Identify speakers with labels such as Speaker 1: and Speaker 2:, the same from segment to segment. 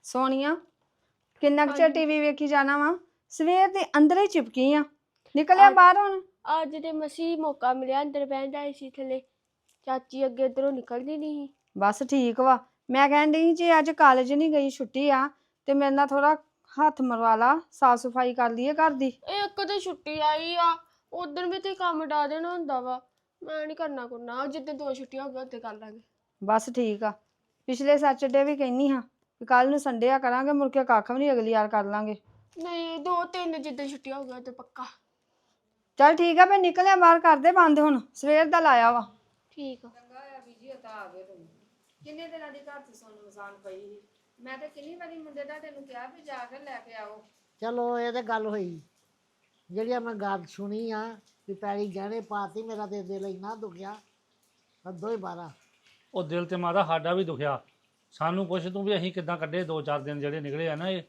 Speaker 1: ਸੋਨੀਆ ਕਿੰਨਾ ਕੁ ਚਿਰ ਟੀਵੀ ਵੇਖੀ ਜਾਣਾ ਵਾ ਸਵੇਰ ਦੇ ਅੰਦਰ ਹੀ ਚਿਪਕੀ ਆ ਨਿਕਲਿਆ ਬਾਹਰ ਹੁਣ
Speaker 2: ਅੱਜ ਤੇ ਮਸੀ ਮੌਕਾ ਮਿਲਿਆ ਅੰਦਰ ਬਹਿਣ ਦਾ ਏਸੀ ਥੱਲੇ ਚਾਚੀ ਅੱਗੇ ਇਧਰੋਂ ਨਿਕਲਦੀ ਨਹੀਂ ਸੀ।
Speaker 1: ਬਸ ਠੀਕ ਵਾ ਮੈਂ ਕਹਿਣ ਡਈ ਜੇ ਅੱਜ ਕਾਲਜ ਨਹੀਂ ਗਈ ਛੁੱਟੀ ਆ ਤੇ ਮੇਰੇ ਨਾਲ ਥੋੜਾ ਹੱਥ ਮਰਵਾ ਲਾ ਸਾਫ ਸਫਾਈ ਕਰ ਲਈਏ ਘਰ ਦੀ।
Speaker 2: ਇੱਕ ਤੇ ਛੁੱਟੀ ਆਈ ਆ ਉਧਰ ਵੀ ਤੇ ਕੰਮ ਡਾ ਦੇਣਾ ਹੁੰਦਾ ਵਾ ਮੈਂ ਨਹੀਂ ਕਰਨਾ ਜਿੱਦਾਂ 2 ਛੁੱਟੀਆਂ ਹੋ ਗਈਆਂ ਉੱਤੇ ਕਰ ਲਾਂਗੇ।
Speaker 1: ਬਸ ਠੀਕ ਆ ਪਿਛਲੇ ਸੈਟਰਡੇ ਵੀ ਕਹਿੰਨੀ ਹਾਂ ਕਿ ਕੱਲ ਨੂੰ ਸੰਡੇ ਆ ਕਰਾਂਗੇ ਮੁੜ ਕੇ ਕੱਖ ਵੀ ਨਹੀਂ ਅਗਲੀ ਵਾਰ ਕਰ ਲਾਂਗੇ।
Speaker 2: ਨਹੀਂ 2-3 ਜਿੱਦਾਂ ਛੁੱਟੀਆਂ ਹੋ ਗਈਆਂ ਤੇ ਪੱਕਾ।
Speaker 1: ਚੱਲ ਠੀਕ ਆ ਮੈਂ ਨਿਕਲਿਆ ਬਾਹਰ ਕਰਦੇ ਬੰਦ ਹੁਣ ਸਵੇਰ ਦਾ ਲਾਇਆ ਵਾ।
Speaker 2: ਠੀਕ ਆ।
Speaker 1: ਚੰਗਾ ਆ ਬੀਜੀ ਤਾਂ ਆ ਗਏ ਤੁਸੀਂ ਕਿੰਨੇ ਦਿਨਾਂ ਦੀ ਘਰ ਚ ਸੋਨੂੰ ਮਸਾਨ ਪਈ ਸੀ ਮੈਂ ਤਾਂ ਕਿੰਨੀ ਵਾਰੀ ਮੁੰਡੇ ਦਾ ਤੈਨੂੰ ਕਿਹਾ ਵੀ ਜਾ ਕੇ ਲੈ ਕੇ ਆਓ।
Speaker 3: ਚਲੋ ਇਹ ਤੇ ਗੱਲ ਹੋਈ ਜਿਹੜੀ ਮੈਂ ਗੱਲ ਸੁਣੀ ਆ ਵੀ ਪੈਲੀ ਗਹਿਣੇ ਪਾਤੀ ਮੇਰਾ ਤੇ ਦਿਲ ਇੰਨਾ ਦੁਖਿਆ ਹੱਦੋਂ ਹੀ ਬਾਰਾ।
Speaker 4: ਉਹ ਦਿਲ ਤੇ ਮਾਦਾ ਸਾਡਾ ਵੀ ਦੁਖਿਆ ਸਾਨੂੰ ਪੁੱਛ ਤੂੰ ਵੀ ਅਸੀਂ ਕਿੱਦਾਂ ਕੱਢੇ 2-4 ਦਿਨ ਜਿਹੜੇ ਨਿਕਲੇ ਆ ਨਾ ਇਹ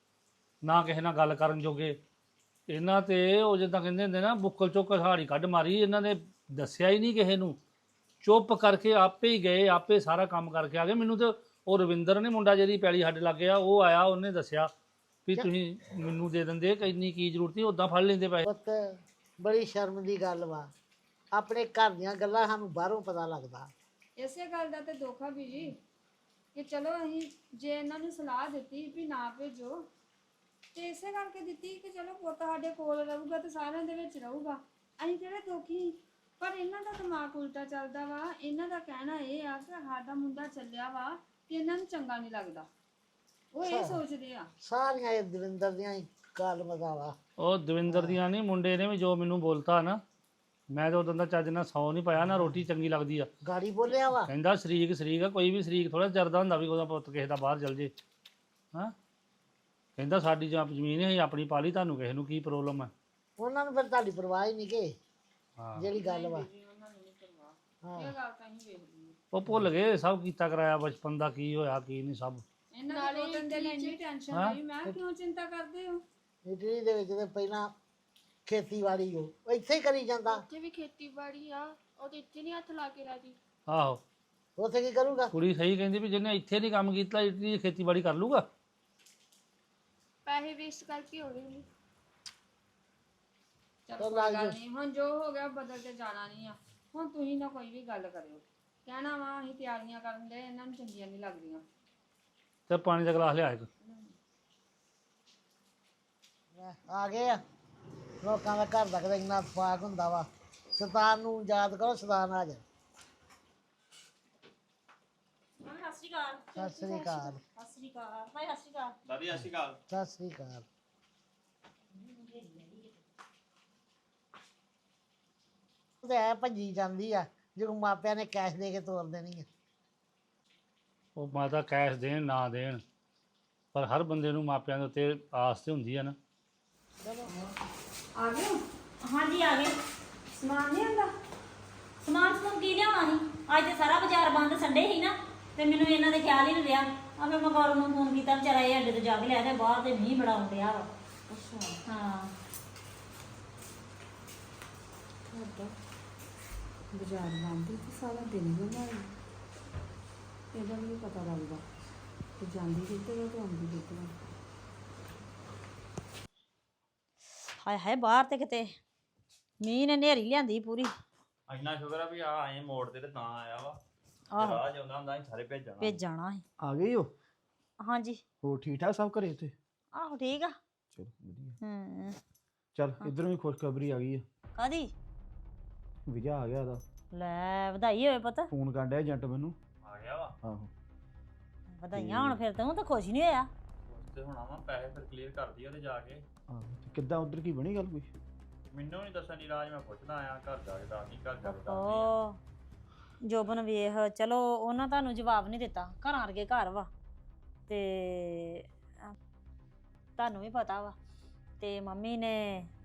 Speaker 4: ਨਾ ਕਿਸੇ ਨਾਲ ਗੱਲ ਕਰਨ ਜੋਗੇ ਇਹਨਾਂ ਤੇ ਉਹ ਜਿੱਦਾਂ ਕਹਿੰਦੇ ਹੁੰਦੇ ਨਾ ਬੁੱਕਲ ਚੋਂ ਕਹਾੜੀ ਕੱਢ ਮਾਰੀ ਇਹਨਾਂ ਨੇ ਦੱਸਿਆ ਹੀ ਨਹੀਂ ਕਿਸੇ ਨੂੰ ਚੁੱਪ ਕਰਕੇ ਆਪੇ ਹੀ ਗਏ ਆਪੇ ਸਾਰਾ ਕੰਮ ਕਰਕੇ ਆ ਗਏ। ਮੈਨੂੰ ਤੇ ਉਹ ਰਵਿੰਦਰ ਨੇ ਮੁੰਡਾ ਜਿਹੜੀ ਪੈਲੀ ਸਾਡੇ ਲੱਗੇ ਆ ਉਹ ਆਇਆ ਉਹਨੇ ਦੱਸਿਆ ਵੀ ਤੁਸੀਂ ਮੈਨੂੰ ਦੇ ਦਿੰਦੇ ਇੰਨੀ ਕੀ ਜ਼ਰੂਰਤ ਸੀ ਉੱਦਾਂ ਫੜ ਲੈਂਦੇ ਪੈਸੇ।
Speaker 3: ਪੁੱਤ ਬੜੀ ਸ਼ਰਮ ਦੀ ਗੱਲ ਵਾ ਆਪਣੇ ਘਰ ਦੀਆਂ ਗੱਲਾਂ ਸਾਨੂੰ ਬਾਹਰੋਂ ਪਤਾ ਲੱਗਦਾ।
Speaker 1: ਇਸੇ ਗੱਲ ਦਾ ਤੇ ਦੁੱਖ ਆ ਬੀਜੀ ਕਿ ਚਲੋ ਅਸੀਂ ਜੇ ਇਹਨਾਂ ਨੂੰ ਸਲਾਹ ਦਿੱਤੀ ਵੀ ਨਾ ਭੇਜੋ ਤੇ ਇਸੇ ਕਰਕੇ ਦਿੱਤੀ ਕਿ ਚਲੋ ਪੁੱਤ ਸਾਡੇ ਕੋਲ ਰਹੂਗਾ ਤੇ ਸਾਰਿਆਂ ਦੇ ਵਿੱਚ ਰਹੂਗਾ ਅਸੀਂ ਕਿਹੜੇ ਦੁਖੀ ਪਰ ਇਹਨਾਂ ਦਾ ਦਿਮਾਗ ਉਲਟਾ ਚੱਲਦਾ ਵਾ। ਇਹਨਾਂ ਦਾ ਕਹਿਣਾ ਇਹ ਆ ਕਿ ਸਾਡਾ ਮੁੰਡਾ ਚੱਲਿਆ ਵਾ ਕਿ ਇਹਨਾਂ ਨੂੰ ਚੰਗਾ ਨਹੀਂ ਲੱਗਦਾ ਉਹ ਇਹ ਸੋਚਦੇ ਆ।
Speaker 3: ਸਾਰੀਆਂ ਇਹ ਦਵਿੰਦਰ ਦੀਆਂ ਹੀ ਗੱਲ ਮਜ਼ਾਵਾ।
Speaker 4: ਉਹ ਦਵਿੰਦਰ ਦੀਆਂ ਨਹੀਂ ਮੁੰਡੇ ਨੇ ਵੀ ਜੋ ਮੈਨੂੰ ਬੋਲਤਾ ਨਾ ਮੈਂ ਤਾਂ ਉਦੋਂ ਦਾ ਚੱਜ ਨਾਲ ਸੌ ਨਹੀਂ ਪਾਇਆ ਨਾ ਰੋਟੀ ਚੰਗੀ ਲੱਗਦੀ ਆ।
Speaker 3: ਗਾੜੀ ਬੋਲਿਆ ਵਾ
Speaker 4: ਕਹਿੰਦਾ ਸ਼ਰੀਕ ਆ ਕੋਈ ਵੀ ਸ਼ਰੀਕ ਥੋੜਾ ਜਰਦਾ ਹੁੰਦਾ ਵੀ ਉਹਦਾ ਪੁੱਤ ਕਿਸੇ ਦਾ ਬਾਹਰ ਚਲ ਜੇ। ਹਾਂ ਕਹਿੰਦਾ ਸਾਡੀ ਜਾਂ ਜ਼ਮੀਨ ਹੈ ਆਪਣੀ ਪਾਲੀ ਤੁਹਾਨੂੰ ਕਿਸੇ ਨੂੰ ਕੀ ਪ੍ਰੋਬਲਮ ਹੈ।
Speaker 3: ਉਹਨਾਂ ਨੂੰ ਫਿਰ ਤੁਹਾਡੀ ਪਰਵਾਹ ਹੀ ਨਹੀਂ ਕਿ
Speaker 4: ਹਾਂ
Speaker 3: ਜਿਹੜੀ ਗੱਲ ਵਾ।
Speaker 1: ਇਹ ਗੱਲ ਤਾਂ ਅਸੀਂ ਵੇਖਦੀ
Speaker 4: ਉਹ ਭੁੱਲ ਗਏ ਸਭ ਕੀਤਾ ਕਰਾਇਆ ਬਚਪਨ ਦਾ ਕੀ ਹੋਇਆ ਕੀ ਨਹੀਂ ਸਭ।
Speaker 1: ਇਹਨਾਂ ਦੀ ਦੋ ਤਿੰਨ ਦਿਨ ਇੰਨੀ ਟੈਨਸ਼ਨ ਹੋਈ ਮੈਂ ਕਿਉਂ ਚਿੰਤਾ ਕਰਦੇ ਹੋ।
Speaker 3: ਇਟਲੀ ਦੇ ਵਿੱਚ ਤੇ ਪਹਿਲਾਂ ਖੇਤੀਬਾੜੀ ਉਹ ਇੱਥੇ ਹੀ ਕਰੀ ਜਾਂਦਾ।
Speaker 2: ਉੱਥੇ ਵੀ ਖੇਤੀਬਾੜੀ ਆ ਉਹ ਤੇ ਇੱਥੇ ਨਹੀਂ ਹੱਥ ਲਾ ਕੇ ਰਾਜੀ।
Speaker 4: ਆਹੋ
Speaker 3: ਉੱਥੇ ਕੀ ਕਰੂਗਾ।
Speaker 4: ਕੁੜੀ ਸਹੀ ਕਹਿੰਦੀ ਵੀ ਜਿਹਨੇ ਇੱਥੇ ਨਹੀਂ ਕੰਮ ਕੀਤਾ ਇਟਲੀ ਦੀ ਖੇਤੀਬਾੜੀ ਕਰ ਲੂਗਾ।
Speaker 2: ਪੈਸੇ ਵੇਸਟ ਕਰਕੇ ਹੋਣੇ ਨਹੀਂ।
Speaker 1: ਚਲ ਕੋਈ ਗੱਲ ਨਹੀਂ ਹੁਣ ਜੋ ਹੋ ਗਿਆ ਬਦਲ ਕੇ ਜਾਣਾ ਨਹੀਂ ਆ। ਹੁਣ ਤੁਸੀਂ ਨਾ ਕੋਈ ਵੀ ਗੱਲ ਕਰਿਓ ਕਹਿਣਾ ਵਾ ਅਸੀਂ ਤਿਆਰੀਆਂ ਕਰਨ ਦੇ ਇਹਨਾਂ ਨੂੰ ਚੰਗੀਆਂ ਨਹੀਂ ਲੱਗਦੀਆਂ।
Speaker 4: ਤੇ ਪਾਣੀ ਦਾ ਗਲਾਸ ਲਿਆ ਇੱਕ।
Speaker 3: ਆ ਗਏ ਆ ਲੋਕਾਂ ਦਾ ਘਰ ਦਾ ਕਿਤੇ ਇੰਨਾ ਫਾਕ ਹੁੰਦਾ ਵਾ। ਸਤਾਨ ਨੂੰ ਯਾਦ ਕਰੋ ਸਤਾਨ ਆ ਜਾ। ਸਤਿ ਸ੍ਰੀ ਅਕਾਲ। ਸਤਿ ਸ੍ਰੀ ਅਕਾਲ। ਤੇ ਐ ਭੱਜੀ ਜਾਂਦੀ ਆ ਜਦੋਂ ਮਾਪਿਆਂ ਨੇ ਕੈਸ਼ ਦੇ ਕੇ ਤੋਰ ਦੇਣੀ ਆ।
Speaker 4: ਉਹ ਮਾਤਾ ਕੈਸ਼ ਦੇਣ ਨਾ ਦੇਣ ਪਰ ਹਰ ਬੰਦੇ ਨੂੰ ਮਾਪਿਆਂ ਦੇ ਉੱਤੇ ਆਸ ਤੇ ਹੁੰਦੀ ਆ ਨਾ।
Speaker 1: ਆ ਗਏ
Speaker 5: ਹਾਂਜੀ ਆ ਗਏ।
Speaker 1: ਸਮਾਨ ਨਹੀਂ ਆਂਦਾ
Speaker 5: ਸਮਾਨ ਸਮੂਨ ਕੀ ਲਿਆਉਣਾ ਸੀ ਅੱਜ ਤੇ ਸਾਰਾ ਬਾਜ਼ਾਰ ਬੰਦ ਸੰਡੇ ਸੀ ਨਾ ਤੇ ਮੈਨੂੰ ਇਹਨਾਂ ਦੇ ਖਿਆਲ ਹੀ ਨਹੀਂ ਰਿਹਾ ਆ ਮੈਂ ਮਗੌਰ ਨੂੰ ਫੋਨ ਕੀਤਾ ਵਿਚਾਰਾ ਇਹ ਅੱਡੇ ਤੋਂ ਜਾ ਕੇ ਲਿਆ ਤੇ ਬਾਹਰ ਤੇ ਮੀਂਹ ਬੜਾ ਆਉਂਦਿਆ ਵਾ। ਅੱਛਾ ਹਾਂ
Speaker 1: ਬਾਜ਼ਾਰ ਬੰਦ ਤੇ ਸਾਰਾ ਦਿਨ ਬਣਾਈ ਇਹਦਾ ਵੀ ਨੀ ਪਤਾ ਲੱਗਦਾ ਤੇ ਜਾਂਦੀ ਕਿੱਥੇ ਆ ਤੇ ਆਉਂਦੀ ਕਿੱਥੇ ਆ।
Speaker 5: ਹਾਏ ਹਾਏ ਬਾਹਰ ਤੇ ਕਿਤੇ ਮੀਂਹ ਨੇ ਨੇਰੀ ਲਿਆਂਦੀ ਪੂਰੀ।
Speaker 6: ਇੰਨਾ ਸ਼ੁਕਰ ਆ ਵੀ ਆ ਆਏ ਮੋੜ ਤੇ ਤਾਂ ਆਇਆ ਵਾ।
Speaker 5: ਆਹੋ
Speaker 6: ਰਾਹ ਜਾਂਦਾ ਹੁੰਦਾ ਅਸੀਂ ਸਾਰੇ ਭੇਜਣਾ।
Speaker 5: ਭੇਜਣਾ ਸੀ।
Speaker 7: ਆ ਗਈ ਹੋ
Speaker 5: ਹਾਂਜੀ
Speaker 7: ਹੋਰ ਠੀਕ ਠਾਕ ਸਭ ਘਰੇ ਤੇ
Speaker 5: ਆਹੋ ਠੀਕ ਆ।
Speaker 7: ਚਲੋ ਵਧੀਆ।
Speaker 5: ਹੂੰ
Speaker 7: ਚੱਲ ਇਧਰੋਂ ਵੀ ਖੁਸ਼ਖਬਰੀ ਆ ਗਈ ਆ
Speaker 5: ਕਾਦੀ
Speaker 7: ਵੀਜ਼ਾ ਆ ਗਿਆ ਉਹਦਾ।
Speaker 5: ਲੈ ਵਧਾਈ ਹੋਵੇ ਪੁੱਤ।
Speaker 7: ਫੋਨ ਕਰਨ ਡਿਆ ਏਜੰਟ ਮੈਨੂੰ।
Speaker 6: ਆ ਗਿਆ ਵਾ
Speaker 7: ਆਹੋ
Speaker 5: ਵਧਾਈਆਂ ਹੁਣ ਫਿਰ ਤੂੰ ਤਾਂ ਖੁਸ਼ ਨਹੀਂ ਹੋਇਆ।
Speaker 6: ਉਸ ਤੇ ਹੁਣ ਆਵਾਂ ਪੈਸੇ ਫਿਰ ਕਲੀਅਰ ਕਰਦੀ ਉਹਦੇ ਜਾ ਕੇ।
Speaker 7: ਆਹੋ ਤੇ ਕਿੱਦਾਂ ਉਧਰ ਕੀ ਬਣੀ ਗੱਲ ਕੋਈ।
Speaker 6: ਮੈਨੂੰ ਨਹੀਂ ਦੱਸਣ ਦੀ ਰਾਜ ਮੈਂ ਪੁੱਛਦਾ ਆਇਆ ਘਰ ਜਾ ਕੇ ਦੱਸਦੀ ਘਰ ਜਾ ਕੇ ਦੱਸਦੀ ਆ।
Speaker 5: ਓ ਜੋਬਨ ਵੇਖ ਚਲੋ ਉਹਨਾਂ ਤੁਹਾਨੂੰ ਜਵਾਬ ਨਹੀਂ ਦਿੱਤਾ ਘਰਾਂ ਵਰਗੇ ਘਰ ਵਾ ਤੇ ਤੁਹਾਨੂੰ ਵੀ ਪਤਾ ਵਾ ਤੇ ਮੰਮੀ ਨੇ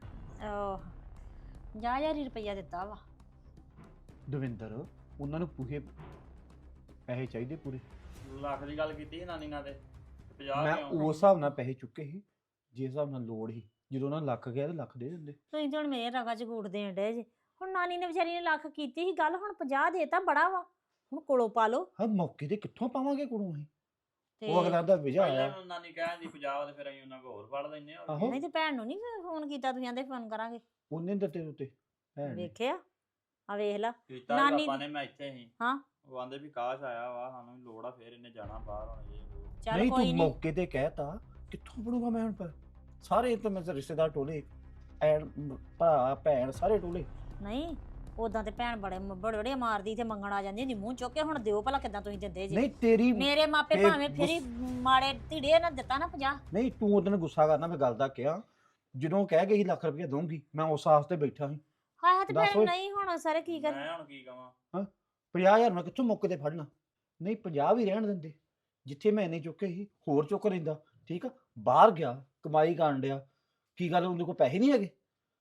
Speaker 5: 50,000 ਰੁਪਈਆ ਦਿੱਤਾ ਵਾ।
Speaker 7: ਦਵਿੰਦਰ ਉਹਨਾਂ ਨੂੰ ਪੂਰੇ ਪੈਸੇ ਚਾਹੀਦੇ ਪੂਰੇ।
Speaker 6: ਲੱਖ ਦੀ ਗੱਲ ਕੀਤੀ ਸੀ ਨਾਨੀ ਨਾਲ ਤੇ 50
Speaker 7: ਮੈਂ
Speaker 6: ਕਿਉਂ?
Speaker 7: ਉਸ ਹਿਸਾਬ ਨਾਲ ਪੈਸੇ ਚੁੱਕੇ ਸੀ ਜਿਸ ਹਿਸਾਬ ਨਾਲ ਲੋੜ ਸੀ। ਜਦੋਂ ਉਹਨਾਂ ਲੱਖ ਗਿਆ ਤੇ ਲੱਖ ਦੇ ਦਿੰਦੇ।
Speaker 5: ਤੁਸੀਂ ਤਾਂ ਹੁਣ ਮੇਰੇ ਰਗਾ ਚ ਗੂੜ ਦੇਣ ਡੇ ਜੇ। ਹੁਣ ਨਾਨੀ ਨੇ ਵਿਚਾਰੀ ਨੇ ਲੱਖ ਕੀਤੀ ਸੀ ਗੱਲ ਹੁਣ 50 ਦੇਤਾ ਬੜਾ ਵਾ ਹੁਣ ਕੋਲੋਂ ਪਾ ਲਓ।
Speaker 7: ਹਾਂ ਮੌਕੇ ਤੇ ਕਿੱਥੋਂ ਪਾਵਾਂਗੇ ਕੋਲੋਂ ਅਸੀਂ। ਉਹ ਅਗਲਾ ਦਾ ਵਿਜਾ
Speaker 6: ਪਹਿਲਾਂ
Speaker 7: ਆਇਆ
Speaker 6: ਨੂੰ ਨਾਨੀ ਕਹਿੰਦੀ ਪੰਜਾਬ ਤੇ ਫਿਰ ਅਸੀਂ ਉਹਨਾਂ ਕੋਲ ਹੋਰ ਫੜ ਲੈਨੇ ਆ
Speaker 7: ਆਹੋ
Speaker 5: ਨਹੀਂ ਤੇ ਭੈਣ ਨੂੰ ਨਹੀਂ ਫੋਨ ਕੀਤਾ, ਤੁਸੀਂ ਆਂਦੇ ਫੋਨ ਕਰਾਂਗੇ।
Speaker 7: ਉਹਨੇ ਦਿੱਤੇ ਉੱਤੇ ਹੈ ਨੀ।
Speaker 5: ਵੇਖਿਆ ਆ ਵੇਖ ਲਾ।
Speaker 6: ਕੀਤਾ
Speaker 5: ਨਾਨੀ
Speaker 6: ਪਾਪਾ ਨੇ, ਮੈਂ ਇੱਥੇ ਸੀ
Speaker 5: ਹਾਂ।
Speaker 6: ਉਹ ਆਂਦੇ ਵੀ ਕਾਸ਼ ਆਇਆ ਵਾ, ਸਾਨੂੰ ਵੀ ਲੋੜ ਆ, ਫਿਰ ਇਹਨੇ ਜਾਣਾ ਬਾਹਰ ਹੁਣ ਇਹ ਉਹ।
Speaker 5: ਚੱਲ
Speaker 7: ਨਹੀਂ
Speaker 5: ਕੋਈ
Speaker 7: ਤੂੰ
Speaker 5: ਨਹੀਂ।
Speaker 7: ਮੌਕੇ ਤੇ ਕਹਿਤਾ ਕਿੱਥੋਂ ਪੜੂਗਾ ਮੈਂ ਹੁਣ ਪਰ ਸਾਰੇ ਤੇ ਮੇਰੇ ਰਿਸ਼ਤੇਦਾਰ ਟੋਲੇ ਐਨ ਭਰਾ ਭੈਣ ਸਾਰੇ ਟੋਲੇ
Speaker 5: ਨਹੀਂ ਉਦਾਂ ਤੇ ਭੈਣ ਬੜੇ ਬੜੇ ਮਾਰਦੀ ਤੇ ਮੰਗਣ ਆ ਜਾਂਦੀ ਹੁੰਦੀ ਮੂੰਹ ਚੁੱਕ ਕੇ। ਹੁਣ ਦਿਓ ਭਲਾ ਕਿਦਾਂ ਤੁਸੀਂ ਦਿੰਦੇ ਜੀ।
Speaker 7: ਨਹੀਂ ਤੇਰੀ
Speaker 5: ਮੇਰੇ ਮਾਪੇ
Speaker 7: ਫੇਰ
Speaker 5: ਭਾਵੇਂ ਫੇਰੀ ਮਾੜੇ ਢੀੜੇ ਨਾ ਦਿੱਤਾ ਨਾ 50।
Speaker 7: ਨਹੀਂ ਤੂੰ ਉਹਦਨ ਗੁੱਸਾ ਕਰਨਾ ਮੈਂ ਗੱਲ ਦਾ ਕਿਹਾ ਜਦੋਂ ਕਹਿ ਗਈ ਲੱਖ ਰੁਪਏ ਦਊਂਗੀ ਮੈਂ ਉਸ ਆਸ ਤੇ ਬੈਠਾ ਸੀ
Speaker 5: ਹਾਏ ਹਾਏ ਤੇ
Speaker 7: ਦੱਸ
Speaker 5: ਫਿਰ
Speaker 7: ਓਏ।
Speaker 5: ਨਹੀਂ ਹੁਣ ਸਾਰੇ ਕੀ ਕਰ।
Speaker 6: ਮੈਂ ਹੁਣ ਕੀ ਕਵਾਂ?
Speaker 7: 50,000 ਮੈਂ ਕਿੱਥੋਂ ਮੌਕੇ ਤੇ ਫੜਨਾ? ਨਹੀਂ 50 ਵੀ ਰਹਿਣ ਦਿੰਦੇ, ਜਿੱਥੇ ਮੈਂ ਇੰਨੇ ਚੁੱਕੇ ਸੀ ਹੋਰ ਚੁੱਕ ਲੈਂਦਾ। ਠੀਕ ਆ, ਬਾਹਰ ਗਿਆ ਕਮਾਈ ਕਰਨ ਡਿਆ, ਕੀ ਗੱਲ ਉਹਦੇ ਕੋਲ ਪੈਸੇ ਨਹੀਂ ਹੈਗੇ?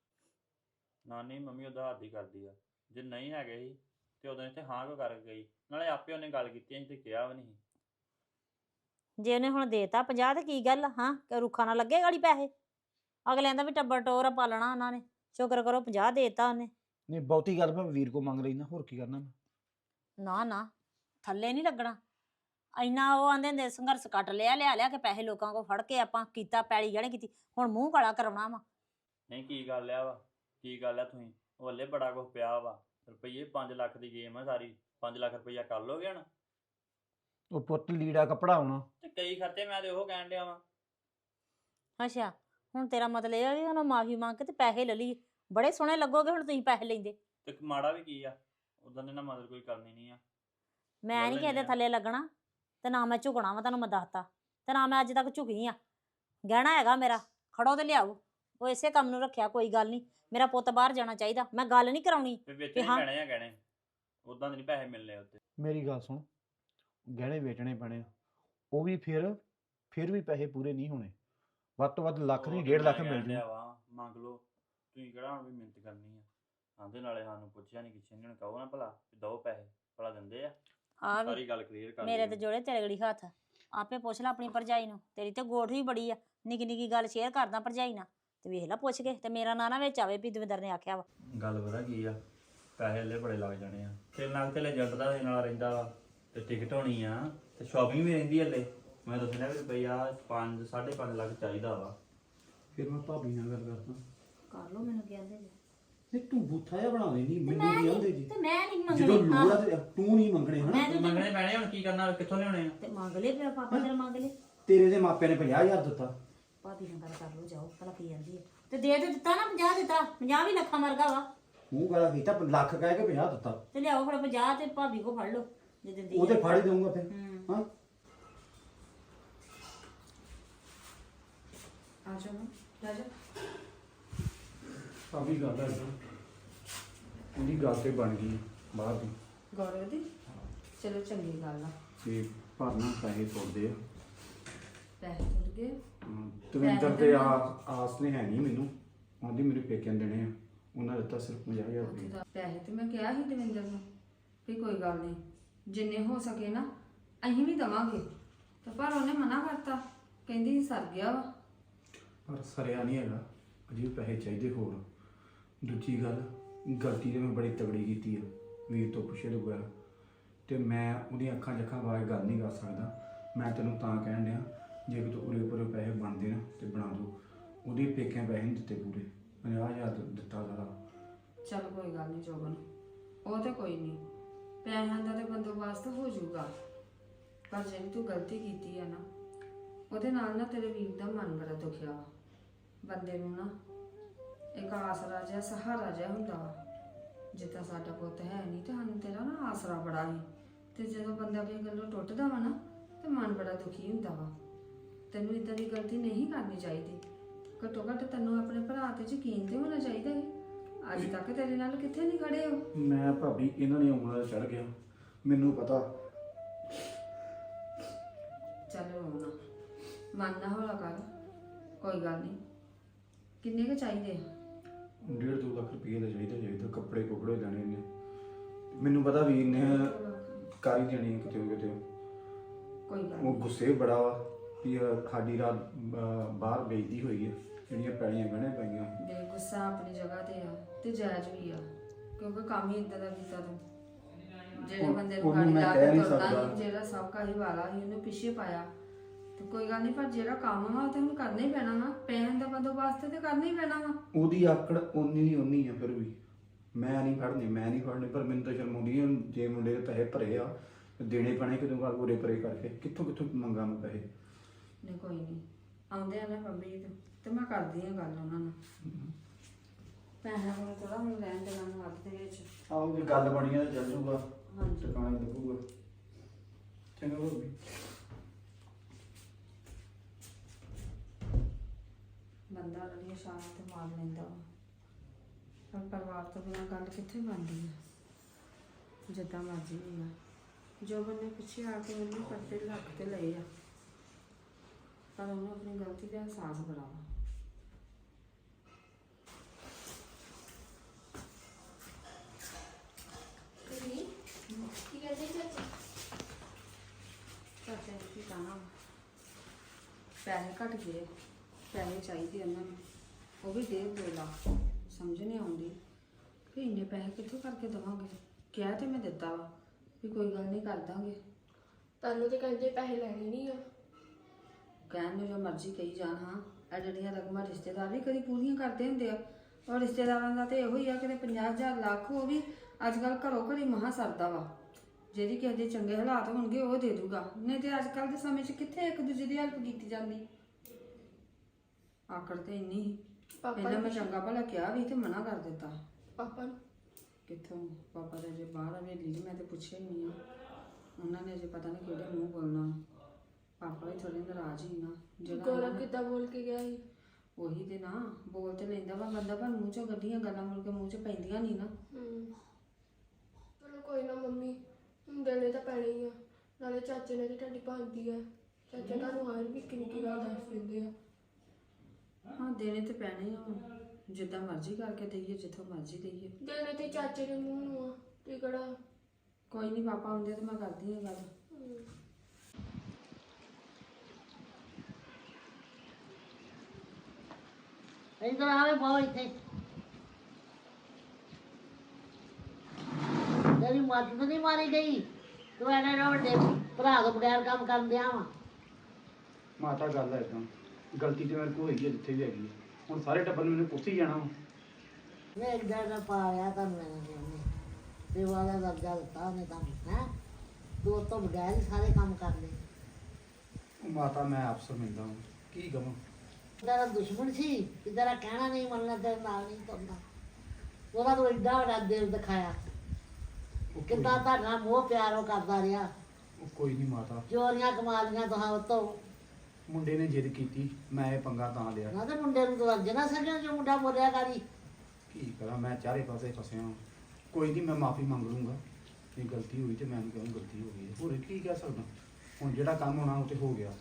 Speaker 6: ਨਾਨੀ ਮੰਮੀ ਉਹਦਾ ਹੱਥ ਹੀ ਕਰਦੀ ਆ, ਜੇ ਨਹੀਂ ਹੈਗੇ ਸੀ ਤੇ ਉਦੋਂ ਇੱਥੇ ਹਾਂ ਕਿਉਂ ਕਰ ਗਈ? ਨਾਲੇ ਆਪੇ ਉਹਨੇ ਗੱਲ ਕੀਤੀ, ਅਸੀਂ ਤੇ ਕਿਹਾ ਵੀ ਨਹੀਂ।
Speaker 5: ਜੇ ਉਹਨੇ ਹੁਣ ਦੇਤਾ 50 ਤੇ ਕੀ ਗੱਲ ਹਾਂ ਕਿ ਰੁੱਖਾ ਨਾ ਲੱਗੇ ਗਾੜੀ ਪੈਸੇ। ਅਗਲਿਆਂ ਦਾ ਵੀ ਟੱਬਰ ਟੋਰ ਪਾਲਣਾ ਉਹਨਾਂ ਨੇ। ਸ਼ੁਕਰ ਕਰੋ 50 ਦੇਤਾ ਉਹਨੇ।
Speaker 7: ਨਹੀਂ ਬਹੁਤੀ ਗੱਲ ਮੈਂ ਵੀਰ ਕੋ ਮੰਗ ਲੈਣਾ, ਹੋਰ ਕੀ ਕਰਨਾ ਮੈਂ?
Speaker 5: ਨਾ ਨਾ ਥੱਲੇ ਨਹੀਂ ਲੱਗਣਾ ਇੰਨਾ। ਉਹ ਆਂਦੇ ਹੁੰਦੇ ਸੰਘਰਸ਼ ਕੱਟ ਲਿਆ, ਲਿਆ ਕੇ ਪੈਸੇ ਲੋਕਾਂ ਕੋਲ ਫੜ ਕੇ ਆਪਾਂ ਕੀਤਾ, ਪੈਲੀ ਗਹਿਣੇ ਕੀਤੀ, ਹੁਣ ਮੂੰਹ ਕਾਲਾ ਕਰਾਉਣਾ ਵਾ।
Speaker 6: ਨਹੀਂ ਕੀ ਗੱਲ ਆ ਵਾ, ਕੀ ਗੱਲ ਆ? ਤੁਸੀਂ ਉਹ ਹਲੇ ਬੜਾ ਕੁਛ ਪਿਆ ਵਾ, ਰੁਪਈਏ 5 ਲੱਖ ਦੀ ਗੇਮ ਆ ਸਾਰੀ। 5 ਲੱਖ ਰੁਪਈਆ ਕਰ ਲੋਗੇ ਹੁਣ?
Speaker 7: ਉਹ ਪੁੱਤ ਲੀੜਾ ਕੱਪੜਾ ਆਉਣਾ
Speaker 6: ਤੇ ਕਈ ਖਰਚੇ ਮੈਂ ਤੇ ਉਹ ਕਹਿਣ ਡਿਆ ਵਾਂ।
Speaker 5: ਅੱਛਾ ਹੁਣ ਤੇਰਾ ਮਤਲਬ ਇਹ ਆ ਵੀ ਉਹਨੂੰ ਮਾਫੀ ਮੰਗ ਕੇ ਤੇ ਪੈਸੇ ਲੈ ਲਈ। ਬੜੇ ਸੋਹਣੇ ਲੱਗੋਗੇ ਹੁਣ ਤੁਸੀਂ ਪੈਸੇ ਲੈਂਦੇ।
Speaker 6: ਤੇ ਮਾੜਾ ਵੀ ਕੀ ਆ, ਉਦੋਂ ਦੇ ਨਾ ਮਦਦ ਕੋਈ ਕਰਨੀ ਨਹੀਂ ਆ।
Speaker 5: ਮੈਂ ਨਹੀਂ
Speaker 6: ਲੈ
Speaker 5: ਕਿਸੇ ਦੇ
Speaker 6: ਲੈਂਦੇ ਆ।
Speaker 5: ਥੱਲੇ ਲੱਗਣਾ ਤੇ ਨਾ ਮੈਂ ਝੁਕਣਾ ਵਾ, ਤੁਹਾਨੂੰ ਮੈਂ ਦੱਸਤਾ। ਤੇ ਨਾ ਮੈਂ ਅੱਜ ਤੱਕ ਝੁਕੀ ਆ। ਗਹਿਣਾ ਹੈਗਾ ਮੇਰਾ, ਖੜੋ ਤੇ ਲਿਆਓ। ਉਹ ਇਸੇ ਕੰਮ ਨੂੰ ਰੱਖਿਆ, ਕੋਈ ਗੱਲ ਨਹੀਂ। ਮੇਰਾ ਪੁੱਤ ਬਾਹਰ ਜਾਣਾ ਚਾਹੀਦਾ, ਮੈਂ ਗੱਲ ਨਹੀਂ ਕਰਾਉਣੀ।
Speaker 6: ਤੇ ਵਿੱਚ
Speaker 5: ਤੇ
Speaker 6: ਨਹੀਂ
Speaker 5: ਹਾਂ।
Speaker 6: ਪੈਣੇ ਆ ਗਹਿਣੇ, ਉਦਾਂ ਦੇ ਨਹੀਂ ਪੈਸੇ ਮਿਲਨੇ ਉੱਤੇ।
Speaker 7: ਮੇਰੀ ਗੱਲ ਸੁਣ, ਗਹਿਣੇ ਵੇਚਣੇ ਪੈਣੇ ਆ, ਉਹ ਵੀ ਫਿਰ ਵੀ ਪੈਸੇ ਪੂਰੇ ਨਹੀਂ ਹੋਣੇ। ਵੱਧ ਤੋਂ ਵੱਧ ਲੱਖ ਨਹੀਂ 1.5 ਲੱਖ ਮਿਲ ਜੂ।
Speaker 6: ਵਾ ਮੰਗ ਲਓ, ਤੁਸੀਂ ਕਿਹੜਾ ਹੁਣ ਵੀ ਮਿਹਨਤ ਕਰਨੀ ਆ? ਆਂਦੇ ਨਾਲੇ ਸਾਨੂੰ ਪੁੱਛਿਆ ਨਹੀਂ ਕਿਸੇ ਨੇ, ਹੁਣ ਕਹੋ ਨਾ ਭਲਾ ਵੀ ਦੋ ਪੈਸੇ, ਭਲਾ ਦਿੰਦੇ ਆ?
Speaker 5: ਆ ਵੀ
Speaker 6: ਸਾਰੀ ਗੱਲ ਕਲੀਅਰ ਕਰ
Speaker 5: ਮੇਰੇ
Speaker 6: ਦਿਓ।
Speaker 5: ਤੇ ਜੋੜੇ ਤੇਰੇ ਗੜੀ ਹੱਥ। ਆਪੇ ਪੁੱਛ ਲੈ ਆਪਣੀ ਭਰਜਾਈ ਨੂੰ, ਤੇਰੀ ਤੇ ਗੋਠ ਵੀ ਬੜੀ ਆ। ਨਿੱਕੀ ਨਿੱਕੀ ਗੱਲ ਸ਼ੇਅਰ ਕਰਦਾ ਭਰਜਾਈ ਨਾਲ, ਤੇ ਵੇਖ ਲੈ ਪੁੱਛ ਕੇ। ਤੇ ਮੇਰਾ ਨਾਂ ਨਾ ਵਿੱਚ ਆਵੇ ਵੀ ਦਵਿੰਦਰ ਨੇ ਆਖਿਆ ਵਾ।
Speaker 6: ਗੱਲ ਪਤਾ ਕੀ ਆ, ਪੈਸੇ ਹਲੇ ਬੜੇ ਲੱਗ ਜਾਣੇ ਆ। ਤੇ ਨਾਲ ਤੇ ਏਜੰਟ ਦਾ ਦੇ ਨਾਲ ਰਹਿੰਦਾ ਵਾ, ਤੇ ਟਿਕਟ ਹੋਣੀ ਆ, ਤੇ ਸ਼ਾਪਿੰਗ ਵੀ ਰਹਿੰਦੀ ਹਲੇ। ਮੈਂ ਦੱਸਣਾ ਵੀ ਰੁਪਈਆ 5.5 ਲੱਖ ਚਾਹੀਦਾ ਵਾ।
Speaker 7: ਫਿਰ ਮੈਂ ਭਾਬੀ ਨਾਲ ਗੱਲ ਕਰਦਾ।
Speaker 5: ਕਰ ਲੋ, ਮੈਨੂੰ ਕਹਿੰਦੇ ਜੀ
Speaker 7: ਨਹੀਂ ਤੂੰ ਬੂਥਾ ਜਿਹਾ ਬਣਾ ਦੇਣੀ, ਮੈਨੂੰ ਕੀ ਆਂਦੇ ਜੀ?
Speaker 5: ਤੇ ਮੈਂ ਨਹੀਂ
Speaker 7: ਜਦੋਂ
Speaker 5: ਮੰਗਣੀ।
Speaker 7: ਲੋੜ ਆ ਤੇ ਤੂੰ ਨਹੀਂ ਮੰਗਣੇ ਹਨਾ?
Speaker 5: ਮੈਂ
Speaker 6: ਮੰਗਣੇ ਪੈਣੇ, ਹੁਣ ਕੀ ਕਰਨਾ, ਕਿੱਥੋਂ ਲਿਆਉਣੇ ਆ?
Speaker 5: ਤੇ ਮੰਗ ਲੈ, ਮੇਰਾ ਪਾਪਾ ਤੇਰਾ ਮੰਗ ਲੈ।
Speaker 7: ਤੇਰੇ ਦੇ ਮਾਪਿਆਂ ਨੇ 50,000 ਦਿੱਤਾ।
Speaker 5: ਭਾਬੀ ਨਾਲ ਗੱਲ ਕਰ ਲੋ, ਜਾਓ ਭਲਾ ਕੀ ਜਾਂਦੀ ਹੈ। ਤੇ ਦੇ ਦਿੱਤਾ ਨਾ 50 ਦਿੱਤਾ। 50 ਵੀ ਲੱਖਾਂ ਵਰਗਾ ਵਾ।
Speaker 7: ਮੂੰਹ ਗਾਲਾ ਕੀਤਾ, ਲੱਖ ਕਹਿ ਕੇ 50 ਦਿੱਤਾ।
Speaker 5: ਤੇ ਲਿਆਓ ਫਿਰ 50 ਤੇ ਭਾਬੀ ਕੋ ਫੜ ਲਓ ਜੇ ਦਿੰਦੀ
Speaker 7: ਉਹ ਤੇ
Speaker 5: ਹੈ।
Speaker 7: ਫੜ ਹੀ ਦਊਂਗਾ ਫਿਰ। ਹਾਂ
Speaker 1: ਆ ਜਾਓ ਜਾ ਜਾ।
Speaker 7: ਭਾਬੀ ਗੱਲ ਹੈ ਉਹਦੀ ਗੱਲ ਤੇ ਬਣ ਗਈ ਬਾਹਰ ਦੀ,
Speaker 1: ਗੌਰਵ ਦੀ ਚਲੋ ਚੰਗੀ ਗੱਲ ਆ।
Speaker 7: ਤੇ ਭਰਨਾ ਪੈਸੇ ਤੋੜਦੇ ਆ।
Speaker 1: ਪੈਸੇ ਟੁੱਟ ਗਏ।
Speaker 7: ਦਵਿੰਦਰ ਤੇ ਆਸ ਨੇ ਹੈ ਨਹੀਂ ਮੈਨੂੰ, ਆਂਦੀ ਮੇਰੇ ਪੇਕਿਆਂ ਨੇ ਦੇਣੇ ਆ। ਉਹਨਾਂ ਦਿੱਤਾ ਸਿਰਫ 50,000 ਰੁਪਏ।
Speaker 1: ਪੈਸੇ ਤੇ ਮੈਂ ਕਿਹਾ ਸੀ ਦਵਿੰਦਰ ਨੂੰ ਵੀ ਕੋਈ ਗੱਲ ਨਹੀਂ, ਜਿੰਨੇ ਹੋ ਸਕੇ ਨਾ ਅਸੀਂ ਵੀ ਦਵਾਂਗੇ, ਤੇ ਪਰ ਉਹਨੇ ਮਨਾ ਕਰਤਾ, ਕਹਿੰਦੀ ਸਰ ਗਿਆ ਵਾ।
Speaker 7: ਪਰ ਸਰਿਆ ਨਹੀਂ ਹੈਗਾ, ਅਜੇ ਵੀ ਪੈਸੇ ਚਾਹੀਦੇ ਹੋਰ। ਦੂਜੀ ਗੱਲ, ਗਲਤੀ ਤੇ ਮੈਂ ਬੜੀ ਤਗੜੀ ਕੀਤੀ ਆ ਵੀਰ ਤੋਂ ਪੁੱਛੇ ਤੋਂ ਬਗੈਰ, ਤੇ ਮੈਂ ਉਹਦੀਆਂ ਅੱਖਾਂ ਜੱਖਾਂ ਬਾਰੇ ਗੱਲ ਨਹੀਂ ਕਰ ਸਕਦਾ। ਮੈਂ ਤੈਨੂੰ ਤਾਂ ਕਹਿਣ ਡਿਆ, ਜੇ ਕਿ ਤੂੰ ਉਰੇ ਪੂਰੇ ਪੈਸੇ ਬਣਦੇ ਨਾ ਤੇ ਬਣਾ ਦੋ। ਉਹਦੇ ਪੇਕਿਆਂ ਪੈਸੇ ਨਹੀਂ ਦਿੱਤੇ ਪੂਰੇ, 50,000 ਦਿੱਤਾ ਸਾਰਾ।
Speaker 1: ਚੱਲ ਕੋਈ ਗੱਲ ਨਹੀਂ ਜੋਬਨ, ਉਹ ਤੇ ਕੋਈ ਨਹੀਂ, ਪੈਸਿਆਂ ਦਾ ਤੇ ਬੰਦੋਬਸਤ ਹੋ ਜਾਊਗਾ। ਪਰ ਜਿਹੜੀ ਤੂੰ ਗਲਤੀ ਕੀਤੀ ਆ ਨਾ, ਉਹਦੇ ਨਾਲ ਨਾ ਤੇਰੇ ਵੀਰ ਦਾ ਮਨ ਬੜਾ ਦੁਖਿਆ ਵਾ। ਬੰਦੇ ਨੂੰ ਨਾ ਇੱਕ ਆਸਰਾ ਜਿਹਾ, ਸਹਾਰਾ ਜਿਹਾ ਹੁੰਦਾ ਵਾ। ਜਿੱਦਾਂ ਸਾਡਾ ਪੁੱਤ ਹੈ ਨਹੀਂ ਤੇ ਸਾਨੂੰ ਤੇਰਾ ਨਾ ਆਸਰਾ ਬੜਾ ਸੀ, ਤੇ ਜਦੋਂ ਬੰਦਾ ਕਿਸੇ ਗੱਲੋਂ ਟੁੱਟਦਾ ਵਾ ਨਾ ਤੇ ਮਨ ਬੜਾ ਦੁਖੀ ਹੁੰਦਾ ਵਾ। ਤੈਨੂੰ ਇਦਾਂ ਦੀ ਗਲਤੀ ਨਹੀਂ ਕਰਨੀ ਚਾਹੀਦੀ। ਘੱਟੋ ਘੱਟ ਤੈਨੂੰ ਆਪਣੇ ਭਰਾ ਤੇ ਯਕੀਨ ਤੇ ਹੋਣਾ ਚਾਹੀਦਾ ਹੈ। ਅੱਜ ਤੱਕ ਤੇਰੇ ਨਾਲ ਕਿੱਥੇ ਨਹੀਂ ਖੜੇ ਹੋ।
Speaker 7: ਮੈਂ ਭਾਬੀ ਇਹਨਾਂ ਨੇ ਉਂਗਲਾਂ ਚੜ ਗਿਆ, ਮੈਨੂੰ ਪਤਾ।
Speaker 1: ਚੱਲ ਰੋਣਾ, ਮਨ ਨਾ ਹੌਲਾ ਕਰ, ਕੋਈ ਗੱਲ ਨਹੀਂ। ਕਿੰਨੇ ਕੁ ਚਾਹੀਦੇ ਆ?
Speaker 7: 1.5-2 ਲੱਖ ਰੁਪਏ ਦਾ ਚਾਹੀਦਾ, ਕੱਪੜੇ ਕੁਪੜੇ ਲੈਣੇ ਨੇ। ਮੈਨੂੰ ਪਤਾ ਵੀਰ ਨੇ ਕਰ ਹੀ ਦੇਣੀ ਕਿਤੇ ਨਾ ਕਿਤੇ।
Speaker 1: ਕੋਈ ਗੱਲ
Speaker 7: ਉਹ
Speaker 1: ਨਹੀਂ।
Speaker 7: ਗੁੱਸੇ ਬੜਾ ਵਾ ਵੀ ਸਾਡੀ ਰਾਤ ਬਾਹਰ ਵੇਚਦੀ ਹੋਈ ਹੈ, ਜਿਹੜੀਆਂ ਪੈਲੀਆਂ ਗਹਿਣੇ ਪਾਈਆਂ।
Speaker 1: ਦੇ ਗੁੱਸਾ ਆਪਣੀ ਜਗ੍ਹਾ ਤੇ ਆ ਤੇ ਜਾਇਜ਼ ਵੀ ਆ, ਕਿਉਂਕਿ ਕੰਮ ਹੀ ਇਦਾਂ ਦਾ ਕੀਤਾ ਤੂੰ। ਜਿਹੜੇ ਬੰਦੇ ਨੂੰ
Speaker 7: ਉਹਨੂੰ
Speaker 1: ਗਾੜੀ
Speaker 7: ਮੈਂ
Speaker 1: ਲਾ
Speaker 7: ਕਹਿ
Speaker 1: ਕੇ
Speaker 7: ਨਹੀਂ
Speaker 1: ਤੁਰਨਾ
Speaker 7: ਸਕਦਾ।
Speaker 1: ਸੀ, ਜਿਹੜਾ ਸਭ ਕਾ ਹੀ ਵਾਲਾ ਸੀ, ਉਹਨੂੰ ਪਿੱਛੇ ਪਾਇਆ। ਤੇ ਕੋਈ ਗੱਲ ਨਹੀਂ, ਪਰ ਜਿਹੜਾ ਕੰਮ ਵਾ ਉਹ ਤੇ ਹੁਣ ਕਰਨਾ ਹੀ ਪੈਣਾ ਨਾ, ਪੈਸੇ ਦਾ ਬੰਦੋਬਸਤ ਤੇ ਕਰਨਾ ਹੀ ਪੈਣਾ ਵਾ।
Speaker 7: ਉਹਦੀ ਆਕੜ ਓਨੀ ਦੀ ਓਨੀ ਆ ਫਿਰ ਵੀ। ਮੈਂ ਨਹੀਂ ਫੜਨੇ, ਪਰ ਮੈਨੂੰ ਤਾਂ ਸ਼ਰਮ ਆਉਂਦੀ ਹੈ। ਜੇ ਮੁੰਡੇ ਦੇ ਪੈਸੇ ਭਰੇ ਆ ਤੇ ਦੇਣੇ ਪੈਣੇ ਕਿਦੋਂ ਘਰ ਪੂਰੇ ਪਰੇ ਕਰਕੇ। ਕਿੱਥੋਂ ਮੰਗਾਂ ਮੈਂ ਪੈਸੇ?
Speaker 1: ਨਹੀਂ ਕੋਈ ਨਹੀਂ, ਆਉਂਦੇ ਆ ਨਾ ਪੰਮੀ ਤੇ ਮੈਂ ਕਰਦੀ ਆ ਗੱਲ ਉਹਨਾਂ ਨਾਲ। ਪੈਸੇ ਹੁਣ ਥੋੜਾ ਹੁਣ ਲੈਣ ਦੇਣਾ ਨੂੰ ਹੱਥ ਦੇ ਵਿੱਚ।
Speaker 7: ਆਓ ਜੇ ਗੱਲ ਬਣੀ ਆ ਤਾਂ ਚੱਲ ਜੂਗਾ,
Speaker 1: ਹਾਂਜੀ।
Speaker 7: ਟਿਕਾਣੇ ਲੱਗੂਗਾ। ਚੰਗਾ ਭਾਬੀ।
Speaker 1: ਬੰਦਾ ਰਲੀ ਇਸ਼ਾਰਾ ਤੇ ਮਾਰ ਲੈਂਦਾ ਵਾ, ਪਰ ਪਰਿਵਾਰ ਤੋਂ ਬਿਨਾਂ ਗੱਲ ਕਿੱਥੇ ਬਣਦੀ ਆ। ਜਿੱਦਾਂ ਮਰਜ਼ੀ ਹੋਈ ਆ, ਜੋ ਬੰਨੇ ਪਿੱਛੇ ਆ ਕੇ ਉਹਨੇ ਪਰਦੇ ਲੱਗ ਤੇ ਲਏ ਆ, ਪਰ ਉਹਨੂੰ ਆਪਣੀ ਗਲਤੀ ਦਾ ਅਹਿਸਾਸ ਬੜਾ ਵਾ।
Speaker 2: ਕੀ ਕਹਿੰਦੇ ਚਾਚੀ?
Speaker 1: ਚਾਚਾ ਜੀ ਕੀ ਕਹਿਣਾ ਵਾ, ਪੈਸੇ ਘੱਟ ਗਏ, ਪੈਸੇ ਚਾਹੀਦੇ ਉਹਨਾਂ ਨੂੰ, ਉਹ ਵੀ 1.5-2 ਲੱਖ। ਸਮਝ ਨਹੀਂ ਆਉਂਦੀ ਕਿ ਇੰਨੇ ਪੈਸੇ ਕਿੱਥੋਂ ਕਰਕੇ ਦੇਵਾਂਗੇ। ਕਿਹਾ ਤੇ ਮੈਂ ਦਿੱਤਾ ਵਾ ਵੀ ਕੋਈ ਗੱਲ ਨਹੀਂ ਕਰ ਦਾਂਗੇ।
Speaker 2: ਤੁਹਾਨੂੰ ਤੇ ਕਹਿੰਦੇ ਪੈਸੇ ਲੈਣੇ ਨਹੀਂ ਆ।
Speaker 1: ਕਹਿਣ ਨੂੰ ਜੋ ਮਰਜ਼ੀ ਕਹੀ ਜਾਣ, ਹਾਂ ਇਹ ਜਿਹੜੀਆਂ ਰਕਮਾਂ ਰਿਸ਼ਤੇਦਾਰ ਵੀ ਕਦੀ ਪੂਰੀਆਂ ਕਰਦੇ ਹੁੰਦੇ ਆ, ਔਰ ਰਿਸ਼ਤੇਦਾਰਾਂ ਦਾ ਤੇ ਇਹੋ ਹੀ ਆ ਕਿ 50,000 ਲੱਖ ਉਹ ਵੀ ਅੱਜ ਕੱਲ੍ਹ ਘਰੋਂ ਘਰੀ ਮਹਾਂ ਸਰਦਾ ਵਾ। ਜਿਹੜੀ ਕਿਸੇ ਦੇ ਚੰਗੇ ਹਾਲਾਤ ਹੋਣਗੇ ਉਹ ਦੇ ਦੂਗਾ, ਨਹੀਂ ਤੇ ਅੱਜ ਕੱਲ੍ਹ ਦੇ ਸਮੇਂ 'ਚ ਕਿੱਥੇ ਇੱਕ ਦੂਜੇ ਦੀ ਹੈਲਪ ਕੀਤੀ ਜਾਂਦੀ। ਆਕੜ ਤੇ ਇੰਨੀ ਸੀ, ਪਹਿਲਾਂ ਮੈਂ ਚੰਗਾ ਭਲਾ ਕਿਹਾ ਵੀ ਤੇ ਮਨਾ ਕਰ ਦਿੱਤਾ।
Speaker 2: ਪਾਪਾ ਨੂੰ
Speaker 1: ਕਿੱਥੋਂ, ਪਾਪਾ ਦੇ ਜੇ ਬਾਹਰ ਹਵੇਲੀ 'ਚ ਮੈਂ ਤੇ ਪੁੱਛਿਆ ਹੀ ਨਹੀਂ ਆ, ਉਹਨਾਂ ਨੇ ਅਜੇ ਪਤਾ ਨਹੀਂ ਕਿਹੜੇ ਮੂੰਹ ਬੋਲਣਾ। ਪਾਪਾ ਵੀ ਥੋੜੇ ਨਾਰਾਜ਼ ਹੀ ਨਾ, ਜਿਹੜਾ
Speaker 2: ਗੌਰਵ ਕਿੱਦਾਂ ਬੋਲ ਕੇ ਗਿਆ ਸੀ?
Speaker 1: ਉਹੀ ਤੇ ਨਾ, ਬੋਲ ਤੇ ਲੈਂਦਾ ਵਾ ਬੰਦਾ, ਪਰ ਮੂੰਹ 'ਚੋਂ ਗੱਡੀਆਂ ਗੱਲਾਂ ਮੁੜ ਕੇ ਮੂੰਹ 'ਚ ਪੈਂਦੀਆਂ ਨਹੀਂ ਨਾ।
Speaker 2: ਚਲੋ ਕੋਈ ਨਾ ਮੰਮੀ, ਦੇਣੇ ਤਾਂ ਪੈਣੇ ਹੀ ਆ। ਨਾਲੇ ਚਾਚੇ ਨੇ ਤੇ ਤੁਹਾਡੀ ਭਾਂਦੀ ਆ, ਚਾਚਾ ਤੁਹਾਨੂੰ ਹਰ ਵੀ ਕਿੰਨੀ ਗੱਲ ਦੱਸ ਦਿੰਦੇ ਆ।
Speaker 1: ਹਾਂ ਦੇਣੇ ਤੇ ਪੈਣੇ ਆ, ਹੁਣ ਜਿੱਦਾਂ ਮਰਜ਼ੀ ਕਰਕੇ ਦਈਏ, ਜਿੱਥੋਂ ਮਰਜ਼ੀ ਦਈਏ।
Speaker 2: ਦੇਣੇ ਤੇ ਚਾਚੇ ਦੇ ਮੂੰਹ ਨੂੰ ਆ, ਤੇ ਕਿਹੜਾ।
Speaker 1: ਕੋਈ ਨਹੀਂ, ਪਾਪਾ ਆਉਂਦੇ ਤੇ ਮੈਂ ਕਰਦੀ ਹਾਂ ਗੱਲ।
Speaker 3: ਇੱਧਰ ਆਵੇ ਬਹੁਤ ਇੱਥੇ। ਤੇਰੀ ਮੱਤ ਤਾਂ ਨਹੀਂ ਮਾਰੀ ਗਈ, ਤੂੰ ਐਨੇ ਨਾ ਵੱਡੇ ਭਰਾ ਤੋਂ ਬਗੈਰ ਕੰਮ ਕਰਨ ਦਿਆ ਵਾ।
Speaker 7: ਮਾਤਾ ਗੱਲ ਹੈ ਇਦਾਂ, ਗਲਤੀ ਤੇ ਮੇਰੇ ਕੋਲ ਹੋਈ ਹੈ ਜਿੱਥੇ ਵੀ ਹੈਗੀ ਹੈ। ਹੁਣ ਸਾਰੇ ਟੱਬਰ ਨੇ ਮੈਨੂੰ ਪੁੱਛ ਹੀ ਜਾਣਾ ਵਾ।
Speaker 3: ਮੈਂ ਇੱਕ ਦਿਨ ਪਾ ਆਇਆ ਤੁਹਾਨੂੰ ਇਹਨੇ ਸੇਵਾ ਦਾ ਦਰਜਾ ਦਿੱਤਾ ਉਹਨੇ ਤੁਹਾਨੂੰ, ਹੈਂ ਤੂੰ ਉਹ ਤੋਂ ਬਗੈਰ ਹੀ ਸਾਰੇ ਕੰਮ ਕਰ ਲਏ।
Speaker 7: ਉਹ ਮਾਤਾ ਮੈਂ ਆਪ ਸਮਝਦਾ ਹਾਂ, ਕੀ ਕਹਾਂ।
Speaker 3: ਤੇਰਾ ਦੁਸ਼ਮਣ ਸੀ ਕਿ ਤੇਰਾ ਕਹਿਣਾ ਨਹੀਂ ਮੰਨਣਾ, ਤੇਰੇ ਨਾਲ ਨਹੀਂ ਤੁਰਦਾ। ਉਹਦਾ ਤੂੰ ਏਡਾ ਵੱਡਾ ਦਿਲ ਦਿਖਾਇਆ, ਕਿੱਦਾਂ ਤੁਹਾਡਾ ਮੋਹ ਪਿਆਰ ਉਹ ਕਰਦਾ ਰਿਹਾ।
Speaker 7: ਉਹ ਕੋਈ ਨਹੀਂ ਮਾਤਾ,
Speaker 3: ਚੋਰੀਆਂ ਕਮਾ ਲੀਆਂ ਤੁਹਾਂ ਉਤੋਂ।
Speaker 7: ਮੁੰਡੇ ਨੇ ਜਿੱਦ ਕੀਤੀ, ਮੈਂ ਇਹ ਪੰਗਾ ਤਾਂ ਲਿਆ।
Speaker 3: ਨਾ ਤੇ ਮੁੰਡੇ ਨੂੰ ਤੂੰ ਅੱਜ ਨਾ ਸਕਿਆ ਜੋ ਮੁੰਡਾ ਬੋਲਿਆ ਕਰੀ।
Speaker 7: ਕੀ ਕਰਾਂ, ਮੈਂ ਚਾਰੇ ਪਾਸੇ ਫਸਿਆ ਹਾਂ। ਕੋਈ ਨਹੀਂ, ਮੈਂ ਮਾਫੀ ਮੰਗ ਲੂੰਗਾ। ਜੇ ਗਲਤੀ ਹੋਈ ਤੇ ਮੈਂ ਉਹਨੂੰ ਕਹੂੰ ਗਲਤੀ ਹੋ ਗਈ ਹੈ, ਹੋਰ ਕੀ ਕਹਿ ਸਕਦਾ। ਹੁਣ ਜਿਹੜਾ ਕੰਮ ਹੋਣਾ ਉਹ ਤੇ ਹੋ ਗਿਆ,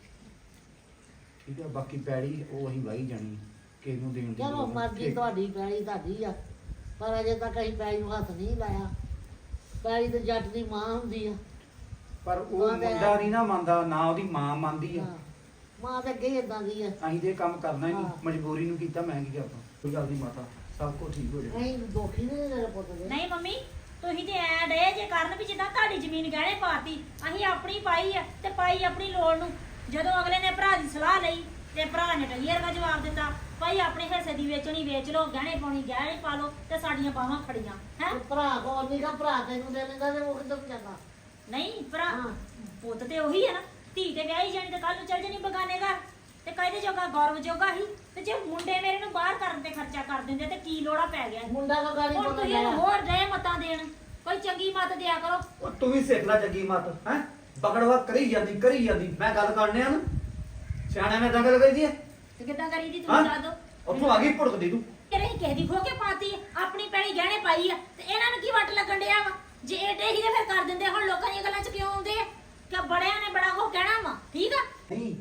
Speaker 7: ਠੀਕ ਹੈ। ਬਾਕੀ ਪੈੜੀ ਉਹ ਅਸੀਂ ਵਾਹੀ ਜਾਣੀ, ਕਿਸੇ ਨੂੰ ਦੇਣ ਦੀ
Speaker 3: ਚਲੋ
Speaker 7: ਲੋੜ ਨਹੀਂ।
Speaker 3: ਮਰਜ਼ੀ
Speaker 7: ਠੀਕ।
Speaker 3: ਤੁਹਾਡੀ, ਪੈਲੀ ਤੁਹਾਡੀ ਆ, ਪਰ ਅਜੇ ਤੱਕ ਅਸੀਂ ਪੈਲੀ ਨੂੰ ਹੱਥ ਨਹੀਂ ਲਾਇਆ। ਪੈਲੀ ਤੇ ਜੱਟ ਦੀ ਮਾਂ ਹੁੰਦੀ ਆ।
Speaker 7: ਪਰ ਉਹ
Speaker 3: ਮਾਂ ਦੇ-
Speaker 7: ਮੁੰਡਾ ਨਹੀਂ ਨਾ ਮੰਨਦਾ, ਨਾ ਉਹਦੀ ਮਾਂ ਮੰਨਦੀ ਆ।
Speaker 3: ਹਾਂ, ਮਾਂ ਤੇ ਅੱਗੇ ਇਦਾਂ ਦੀ ਆ।
Speaker 7: ਅਸੀਂ ਤੇ ਇਹ ਕੰਮ ਕਰਨਾ ਹੀ ਨਹੀਂ,
Speaker 3: ਹਾਂ।
Speaker 7: ਮਜਬੂਰੀ ਨੂੰ ਕੀਤਾ। ਮੈਂ ਕੀ ਕਰਦਾ, ਕੋਈ ਗੱਲ ਨਹੀਂ ਮਾਤਾ, ਸਭ ਕੁਝ ਠੀਕ ਹੋ ਜਾਏਗਾ।
Speaker 3: ਅਸੀਂ ਦੋਖੀ ਨਹੀਂ ਤੇਰੇ ਪੁੱਤ ਦੇ।
Speaker 5: ਨਹੀਂ ਮੰਮੀ, ਤੁਸੀਂ ਤੇ ਐ ਡੇ ਜੇ ਕਰਨ ਵੀ ਜਿੱਦਾਂ ਤੁਹਾਡੀ ਜ਼ਮੀਨ ਗਹਿਣੇ ਪਾਤੀ। ਅਸੀਂ ਆਪਣੀ ਪਾਈ ਆ ਤੇ ਪਾਈ ਆਪਣੀ ਲੋੜ ਨੂੰ। ਜਦੋਂ ਅਗਲੇ ਨੇ ਭਰਾ ਦੀ ਸਲਾਹ ਲਈ ਤੇ ਭਰਾ ਨੇ ਟਲੀਅਰ ਦਾ ਜਵਾਬ ਦਿੱਤਾ, ਭਾਈ ਆਪਣੇ ਹਿੱਸੇ ਦੀ ਵੇਚਣੀ ਵੇਚ ਲਓ, ਗਹਿਣੇ ਪਾਉਣੀ ਗਹਿਣੇ ਪਾ ਲਓ, ਤੇ ਸਾਡੀਆਂ ਬਾਹਾਂ ਖੜੀਆਂ ਹੈ।
Speaker 3: ਤੇ ਭਰਾ ਕੋਲ ਨਹੀਂ ਗਾ, ਭਰਾ ਤੈਨੂੰ ਦੇ ਲੈਂਦਾ ਤੇ ਉਹ ਕਿੱਦੋਂ ਜਾਂਦਾ।
Speaker 5: ਨਹੀਂ ਭਰਾ
Speaker 3: ਹਾਂ।
Speaker 5: ਪੁੱਤ ਤੇ ਉਹੀ ਹੈ ਨਾ, ਧੀ ਤੇ ਵਿਆਹੀ ਜਾਣੀ ਤੇ ਕੱਲ ਨੂੰ ਚੱਲ ਜਾਣੀ ਬਗਾਨੇ ਘਰ, ਤੇ ਕਾਹਦੇ ਜੋਗਾ ਗੌਰਵ ਜੋਗਾ ਹੀ। ਤੇ ਜੇ ਮੁੰਡੇ ਮੇਰੇ ਨੂੰ ਬਾਹਰ ਕਰਨ ਤੇ ਖਰਚਾ ਕਰ ਦਿੰਦੇ ਤੇ ਕੀ ਲੋੜਾ ਪੈ ਗਿਆ।
Speaker 3: ਮੁੰਡਾ ਕੋ ਗਾੜੀ
Speaker 5: ਹੁਣ
Speaker 3: ਬੋਲ
Speaker 5: ਤੁਸੀਂ
Speaker 3: ਰਿਹਾ।
Speaker 5: ਹੋਰ ਰਹੇ ਮਤਾਂ ਦੇਣ, ਕੋਈ ਚੰਗੀ ਮਤ ਦਿਆ ਕਰੋ।
Speaker 6: ਉਹ ਤੂੰ ਵੀ ਸਿੱਖ ਲੈ ਚੰਗੀ ਮਤ ਹੈ। ਬਕੜਵਾ ਕਰੀ ਜਾਂਦੀ ਮੈਂ ਗੱਲ ਕਰਨੇ ਆ ਨਾ, ਸਿਆਣਿਆਂ ਨੇ ਤਾਂ ਗੱਲ ਕਰੀ ਦੀ ਹੈ।
Speaker 5: ਤੇ ਕਿੱਦਾਂ ਕਰੀ ਦੀ
Speaker 6: ਹਾਂ?
Speaker 5: ਤੁਸੀਂ ਦੱਸ ਦੋ।
Speaker 6: ਉੱਥੋਂ ਆ ਗਈ ਭੁੜਕਦੀ ਤੂੰ।
Speaker 5: ਤੇਰੇ ਹੀ ਕਿਸੇ ਦੀ ਖੋ ਕੇ ਪਾਤੀ, ਆਪਣੀ ਪੈਣੀ ਗਹਿਣੇ ਪਾਈ ਆ, ਤੇ ਇਹਨਾਂ ਨੂੰ ਕੀ ਵੱਟ ਲੱਗਣ ਡਿਆ ਵਾ। ਜੇ ਏਡੇ ਹੀ ਤੇ ਫਿਰ ਕਰ ਦਿੰਦੇ। ਹੁਣ ਲੋਕਾਂ ਦੀਆਂ ਗੱਲਾਂ 'ਚ ਕਿਉਂ ਆਉਂਦੇ ਆ ਕਿ ਬੜਿਆਂ ਨੇ ਬੜਾ ਕੁਝ ਕਹਿਣਾ ਵਾ, ਠੀਕ ਆ।
Speaker 6: ਨਹੀਂ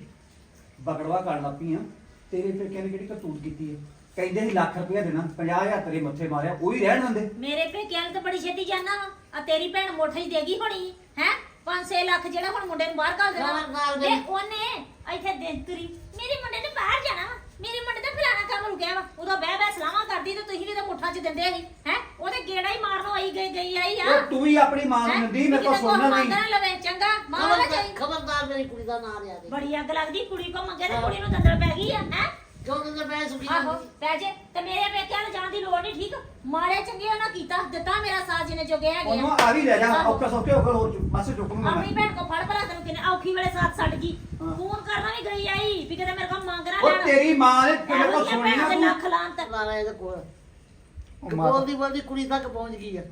Speaker 6: ਬਕੜਵਾ ਕਰਨ ਲੱਗ ਪਈ ਆ। ਤੇਰੇ ਪੇਕਿਆਂ ਨੇ ਕਿਹੜੀ ਕਰਤੂਤ ਕੀਤੀ ਹੈ? ਕਹਿੰਦੇ ਸੀ ਲੱਖ ਰੁਪਇਆ ਦੇਣਾ, 50,000 ਤੇਰੇ ਮੱਥੇ ਮਾਰਿਆ, ਉਹ ਹੀ ਰਹਿਣ ਦਿੰਦੇ।
Speaker 5: ਮੇਰੇ ਪੇਕਿਆਂ ਨੂੰ ਤਾਂ ਬੜੀ ਛੇਤੀ ਜਾਣਾ ਵਾ। ਆ ਤੇਰੀ ਭੈਣ ਮੁੱਠ ਹੀ ਦੇਗੀ ਹੋਣੀ ਹੈ 5-6 ਲੱਖ, ਜਿਹੜਾ ਹੁਣ ਮੁੰਡੇ ਨੂੰ ਬਾਹਰ ਘੱਲ ਦੇਣਾ
Speaker 3: ਨਾਲ
Speaker 5: ਵਾ।
Speaker 3: ਦੇ।
Speaker 5: ਤੇ ਉਹਨੇ ਇੱਥੇ ਦਿਨ ਤੁਰੀ ਮੇਰੇ ਮੁੰਡੇ ਨੇ ਬਾਹਰ ਜਾਣਾ ਵਾ, ਮੇਰੇ ਮੁੰਡੇ ਦਾ ਫਲਾਣਾ ਕੰਮ ਰੁਕਿਆ ਵਾ। ਉਦੋਂ ਬਹਿ ਸਲਾਹਾਂ ਕਰਦੀ ਤੇ ਤੁਸੀਂ ਵੀ ਤਾਂ ਮੁੱਠਾਂ 'ਚ ਦਿੰਦੇ ਸੀ ਹੈ। ਉਹਦੇ ਗੇੜਾ ਹੀ ਮਾਰਨੋਂ ਆਈ ਗਈ ਆਈ ਆ।
Speaker 6: ਉਹ ਤੂੰ ਹੀ ਆਪਣੀ ਮਾਂ ਨੂੰ ਦਿੰਦੀ, ਮੇਰੇ ਕੋਲ ਸੁਣਨਾ ਨਹੀਂ।
Speaker 5: ਲਵੇ ਚੰਗਾ ਮਾਂ ਨਾ ਚਾਹੀ।
Speaker 3: ਖਬਰਦਾਰ ਮੇਰੀ ਕੁੜੀ ਦਾ ਨਾਂ ਲਿਆ ਦੇ
Speaker 5: ਬੜੀ ਅੱਗ ਲੱਗਦੀ ਕੁੜੀ ਕੋ ਮੰਗੇ ਤੇ ਕੁੜੀ ਨੂੰ ਦੰਦਲ ਪੈ ਗਈ ਆ ਹੈ
Speaker 3: ਕਿਉਂ ਤੇ ਮੈਂ ਸੁਖੀ
Speaker 5: ਆਹੋ ਪੈ ਜੇ ਤੇ ਮੇਰੇ ਪੇਕਿਆਂ ਨੂੰ ਜਾਣ ਦੀ ਲੋੜ ਨਹੀਂ ਠੀਕ ਮਾੜੇ ਚੰਗੇ ਉਹਨਾਂ ਕੀਤਾ ਦਿੱਤਾ ਮੇਰਾ ਸਾਥ ਜਿਹਨੇ ਜੋਗੇ ਹੈਗੇ
Speaker 7: ਉਹਨੂੰ
Speaker 5: ਆ
Speaker 7: ਆ ਵੀ ਲੈ ਜਾ
Speaker 5: ਆਹੋ।
Speaker 7: ਔਕਾ ਸੌਕੇ ਹੋ ਹੋਰ ਬਸ ਚੁੱਕ ਲੂੰਗਾ
Speaker 5: ਆਪਣੀ
Speaker 7: ਮੈਂ
Speaker 5: ਭੈਣ ਕੋ ਫੜ ਭਰਾ ਤੈਨੂੰ ਕਿਨੇ ਔਖੀ ਵੇਲੇ ਸਾਥ ਛੱਡ ਗਈ
Speaker 7: ਹਾਂ।
Speaker 5: ਫੋਨ ਕਰਨਾ ਵੀ ਗਈ ਆਈ ਵੀ ਕਿਤੇ ਮੇਰੇ ਕੋਲ ਮੰਗ ਨਾ
Speaker 7: ਉਹ
Speaker 5: ਲੈਣ
Speaker 7: ਤੇਰੀ ਮਾਂ ਨੇ ਤੇਰੇ
Speaker 5: ਇਹੋ
Speaker 7: ਕੋਲ
Speaker 5: ਜਿਹੀਆਂ
Speaker 7: ਸੁਣੀ
Speaker 5: ਭੈਣਾਂ ਦੇ
Speaker 7: ਨਾ
Speaker 5: ਲੱਖ ਲਾਂਤ
Speaker 3: ਲਾਣਾ ਇਹਦੇ ਕੋਲ
Speaker 7: ਉਹ ਮਾਤਾ-
Speaker 3: ਬੋਲਦੀ ਬੋਲਦੀ ਕੁੜੀ ਤੱਕ ਪਹੁੰਚ ਗਈ ਆ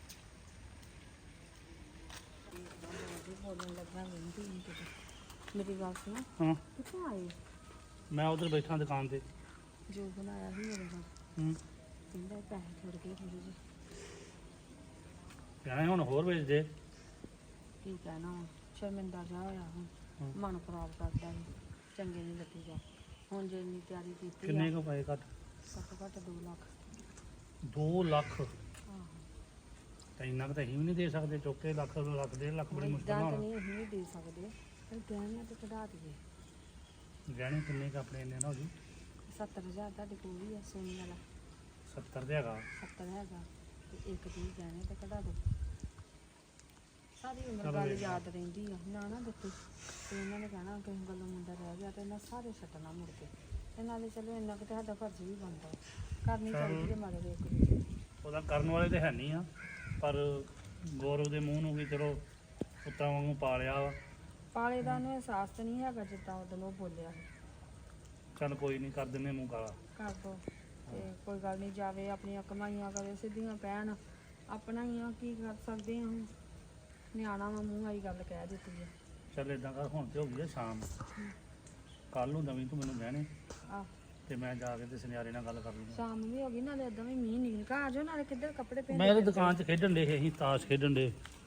Speaker 1: ਮੇਰੀ ਗੱਲ ਸੁਣ
Speaker 4: ਹਾਂ
Speaker 1: ਕਿੱਥੋਂ ਆਏ
Speaker 4: ਮੈਂ ਉਧਰ ਬੈਠਾ ਦੁਕਾਨ ਤੇ
Speaker 1: ਜੋ ਬਣਾਇਆ ਸੀ ਮੇਰੇ ਨਾਲ
Speaker 4: ਹੂੰ
Speaker 1: ਕਹਿੰਦਾ ਪੈਸੇ ਥੋੜੇ ਗਏ ਥੋੜੇ ਜਿਹੇ
Speaker 4: ਕਹਿਣਾ ਹੁਣ ਹੋਰ ਵੇਚ ਦੇ
Speaker 1: ਕੀ ਕਹਿਣਾ ਹੁਣ ਸ਼ਰਮਿੰਦਾ ਜਾ ਹੋਇਆ ਹੁਣ
Speaker 4: ਹਾਂ।
Speaker 1: ਮਨ ਖਰਾਬ ਕਰਦਾ ਸੀ ਚੰਗੇ ਨਹੀਂ ਲੱਗੀ ਜਾ ਹੁਣ ਜੇ ਇੰਨੀ ਤਿਆਰੀ ਕੀਤੀ
Speaker 4: ਕਿੰਨੇ
Speaker 1: ਆ
Speaker 4: ਕੁ ਪਏ ਘੱਟ
Speaker 1: ਘੱਟੋ ਘੱਟ 2 ਲੱਖ
Speaker 4: 2 ਲੱਖ
Speaker 1: ਆਹੋ
Speaker 4: ਤਾਂ ਇੰਨਾ ਕੁ ਤਾਂ ਅਸੀਂ ਵੀ ਨਹੀਂ ਦੇ ਸਕਦੇ ਚੁੱਕੇ ਲੱਖ 1.5 ਲੱਖ ਬੜੀ ਮੁਸ਼ਕਲ
Speaker 1: ਇਦਾਂ
Speaker 4: ਨਾਲ
Speaker 1: ਤਾਂ
Speaker 4: ਹੋਣਾ
Speaker 1: ਨਹੀਂ ਅਸੀਂ ਵੀ ਦੇ ਸਕਦੇ ਪਰ ਗਹਿਣਿਆਂ ਤੇ ਕਢਾ ਦਈਏ
Speaker 4: ਗਹਿਣੇ ਕਿੰਨੇ ਕੁ ਆਪਣੇ ਇੰਨੇ ਨਾ ਹੋ ਜੀ
Speaker 1: 70000 ਤੁਹਾਡੇ ਕੋਲ ਵੀ ਆ ਸੋਨੇ ਵਾਲਾ
Speaker 4: 70 ਦੇ ਹੈਗਾ
Speaker 1: 70 ਹੈਗਾ ਤੇ ਇੱਕ ਦੀ ਗਹਿਣੇ ਤੇ ਕਢਾ ਦੋ ਸਾਰੀ ਉਮਰ
Speaker 4: ਚਲੋ
Speaker 1: ਗੱਲ
Speaker 4: ਵੇਖ ਲਾ।
Speaker 1: ਯਾਦ ਰਹਿੰਦੀ ਆ ਨਾ ਦਿੱਤੀ ਤੇ ਇਹਨਾਂ ਨੇ ਕਹਿਣਾ ਕਿਸੇ ਗੱਲੋਂ ਮੁੰਡਾ ਰਹਿ ਗਿਆ ਤੇ ਇਹਨਾਂ ਸਾਰੇ ਛੱਡਣਾ ਮੁੜ ਕੇ ਤੇ ਨਾਲੇ ਚਲੋ ਇੰਨਾ ਕਿ ਸਾਡਾ ਫਰਜ਼ ਵੀ ਬਣਦਾ ਕਰਨੀ ਚਾਹੀਦੀ ਹੈ ਮਦਦ ਇੱਕ ਦੂਜੇ ਦੀ
Speaker 4: ਉਹਦਾ ਕਰਨ ਵਾਲੇ ਤੇ ਹੈ ਨਹੀਂ ਆ ਪਰ ਗੌਰਵ ਦੇ ਮੂੰਹ ਨੂੰ ਵੀ ਚਲੋ ਪੁੱਤਾਂ ਵਾਂਗੂ ਪਾਲਿਆ ਵਾ
Speaker 1: ਪਾਲੇ ਦਾ ਨੂੰ ਅਹਿਸਾਸ ਤਾਂ ਨਹੀਂ ਹੈਗਾ ਜਿੱਦਾਂ ਉਦੋਂ ਉਹ ਬੋਲਿਆ ਸੀ।
Speaker 4: ਚੱਲ ਕੋਈ ਨਹੀਂ ਕਰ ਦਿੰਨੇ ਮੂੰਹ ਕਾਲਾ
Speaker 1: ਕਰ ਦੋ ਤੇ ਕੋਈ ਗੱਲ ਨਹੀਂ ਜਾਵੇ ਆਪਣੀਆਂ ਕਮਾਈਆਂ ਕਰੇ ਸਿੱਧੀਆਂ ਪੈਣ ਆਪਣਾ ਹੀ ਆ ਕੀ ਕਰ ਸਕਦੇ ਆ ਹੁਣ ਨਿਆਣਾ ਵਾ ਮੂੰਹ ਆਈ ਗੱਲ ਕਹਿ ਦਿੱਤੀ ਹੈ
Speaker 4: ਚੱਲ ਇਦਾਂ ਕਰ ਹੁਣ ਤੇ ਹੋ ਗਈ ਆ ਸ਼ਾਮ ਕੱਲ ਨੂੰ ਨਵੀਂ ਤੂੰ ਮੈਨੂੰ ਗਹਿਣੇ
Speaker 1: ਆਹ
Speaker 4: ਤੇ ਮੈਂ ਜਾ ਕੇ ਤੇ ਸੁਨਿਆਰੇ ਨਾਲ ਗੱਲ ਕਰ ਲੂੰਗਾ
Speaker 1: ਸ਼ਾਮ ਵੀ ਹੋ ਗਈ ਨਾਲੇ ਏਦਾਂ ਵੀ ਮੀਂਹ ਨਿਕਲ ਆ ਜਾਓ ਨਾਲੇ ਕਿੱਧਰ ਕੱਪੜੇ ਪਹਿਨ
Speaker 4: ਮੈਂ ਤੇ ਦੁਕਾਨ 'ਚ ਖੇਡਣ ਦੇ ਅਸੀਂ ਤਾਸ਼ ਖੇਡਣ ਦੇ